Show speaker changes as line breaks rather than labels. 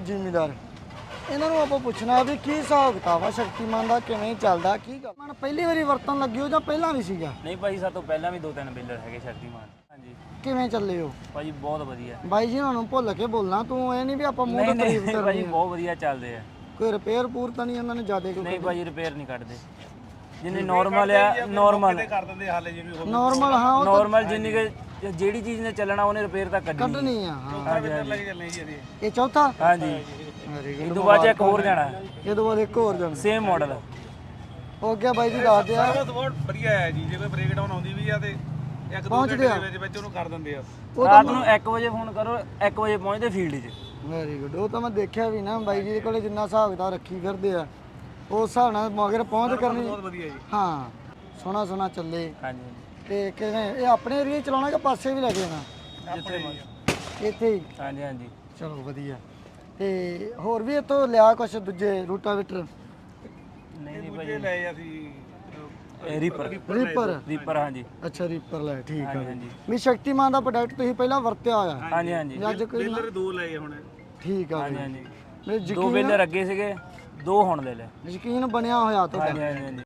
ਜ਼ਿਮੀਦਾਰ ਇਹਨਾਂ ਨੂੰ ਆਪਾਂ ਪੁੱਛਣਾ ਵੀ ਕੀ ਹਿਸਾਬ ਕਿਤਾਬ ਆ ਸ਼ਕਤੀਮਾਨ ਦਾ, ਕਿਵੇਂ ਚੱਲਦਾ, ਕੀ ਗੱਲ ਮਨ ਪਹਿਲੀ ਵਾਰੀ ਵਰਤਣ ਲੱਗੇ ਹੋ ਜਾਂ ਪਹਿਲਾਂ ਵੀ ਸੀਗਾ?
ਨਹੀਂ ਭਾਈ ਸਾਡੇ ਤੋਂ ਪਹਿਲਾਂ ਵੀ 2-3 ਬੇਲਰ ਹੈਗੇ ਸ਼ਕਤੀਮਾਨ। ਹਾਂਜੀ
ਕਿਵੇਂ ਚੱਲੇ ਹੋ
ਭਾਜੀ ਬਹੁਤ ਵਧੀਆ।
ਬਾਈ ਜੀ ਉਹਨਾਂ ਨੂੰ ਭੁੱਲ ਕੇ ਬੋਲਣਾ ਤੂੰ, ਇਹ ਨਹੀਂ ਵੀ ਆਪਾਂ ਮੂੰਹ ਤੇ ਤਾਰੀਫ
ਭਾਜੀ
ਕਰਨੀ ਆ।
ਬਹੁਤ ਵਧੀਆ ਚੱਲਦੇ ਆ।
ਕੋਈ ਰਿਪੇਅਰ ਪੂਰ ਤਾਂ ਨਹੀਂ ਉਹਨਾਂ ਨੇ ਜ਼ਿਆਦਾ ਕੋਈ?
ਨਹੀਂ ਭਾਜੀ ਰਿਪੇਅਰ ਨਹੀਂ ਕੱਢਦੇ, ਜਿੰਨੇ ਨਾਰਮਲ ਆ ਨਾਰਮਲ
ਕਰ ਦਿੰਦੇ ਹਾਲੇ ਜਿਵੇਂ
ਨਾਰਮਲ ਹਾਂ ਉਹ
ਨਾਰਮਲ ਜਿੰਨੀ ਕਿ ਜਿਹੜੀ ਚੀਜ਼ ਨੇ ਚੱਲਣਾ ਉਹਨੇ ਰਿਪੇਅਰ ਤਾਂ ਕੱਢਣੀ।
ਕੱਢਣੀ ਆ ਹਾਂ।
ਲੈ ਕੇ ਚੱਲਣੇ ਜੀ ਇਹਦੇ।
ਇਹ ਚੌਥਾ?
ਹਾਂਜੀ
ਵੈਰੀ
ਇਹ ਤੋਂ ਬਾਅਦ 'ਚ ਇੱਕ ਹੋਰ ਜਾਣਾ
ਇਹ ਤੋਂ ਬਾਅਦ ਇੱਕ ਹੋਰ ਜਾਣਾ
ਸੇਮ ਮਾਡਲ।
ਹੋ ਗਿਆ ਬਾਈ ਜੀ, ਦੱਸ ਦਿਆ
ਬਹੁਤ ਵਧੀਆ ਹੈ ਜੀ, ਜੇ ਕੋਈ ਬ੍ਰੇਕ ਡਾਊਨ ਆਉਂਦੀ ਵੀ ਆ ਤੇ ਇੱਕ ਦੋ ਘੰਟੇ ਦੇ ਵਿੱਚ ਉਹਨੂੰ ਕਰ ਦਿੰਦੇ ਆ।
ਰਾਤ ਨੂੰ 1 ਵਜੇ ਫੋਨ ਕਰੋ, 1 ਵਜੇ ਪਹੁੰਚਦੇ ਫੀਲਡ 'ਚ।
Very good. ਉਹ ਤਾਂ ਮੈਂ ਦੇਖਿਆ ਵੀ ਨਾ ਬਾਈ ਜੀ ਦੇ ਕੋਲੇ ਜਿੰਨਾ ਹਿਸਾਬ ਕਿਤਾਬ ਰੱਖੀ ਫਿਰਦੇ ਆ ਉਸ ਹਿਸਾਬ ਨਾਲ ਮਗਰ ਪਹੁੰਚ ਕਰਨੀ।
ਬਹੁਤ ਵਧੀਆ ਜੀ।
ਹਾਂ ਸੋਹਣਾ ਸੋਹਣਾ ਚੱਲੇ।
ਹਾਂਜੀ
ਤੇ ਕਿਵੇਂ ਇਹ ਆਪਣੇ ਏਰੀਆ ਚਲਾਉਣਾ ਕਿ ਪਾਸੇ ਵੀ ਲੈ ਕੇ ਜਾਣਾ?
ਜਿੱਥੇ
ਇੱਥੇ ਹੀ?
ਹਾਂਜੀ ਹਾਂਜੀ
ਚਲੋ ਵਧੀਆ। ਤੇ ਹੋਰ ਵੀ ਇੱਥੋਂ ਲਿਆ ਕੁਛ ਦੂਜੇ ਰੂਟਾਵੇਟਰ?
ਨਹੀਂ ਭਾਈ
ਦੂਜੇ ਲਏ ਅਸੀਂ
ਰੀਪਰ
ਰੀਪਰ?
ਹਾਂਜੀ
ਅੱਛਾ ਰੀਪਰ ਲੈ, ਠੀਕ ਆ
ਹਾਂਜੀ
ਵੀ ਸ਼ਕਤੀਮਾਨ ਦਾ ਪ੍ਰੋਡਕਟ ਤੁਸੀਂ ਪਹਿਲਾਂ ਵਰਤਿਆ ਹੋਇਆ?
ਹਾਂਜੀ ਹਾਂਜੀ
ਅੱਜ ਕੋਈ
ਬੇਲਰ ਦੋ ਲਏ ਹੁਣ।
ਠੀਕ ਆ
ਹਾਂਜੀ
ਬਈ।
ਹਾਂਜੀ
ਮੇਰੇ
2 ਬੇਲਰ ਅੱਗੇ ਸੀਗੇ, 2 ਹੁਣ ਲੈ ਲੈ।
ਯਕੀਨ ਬਣਿਆ ਹੋਇਆ ਤੁਹਾਡਾ?
ਹਾਂਜੀ ਹਾਂਜੀ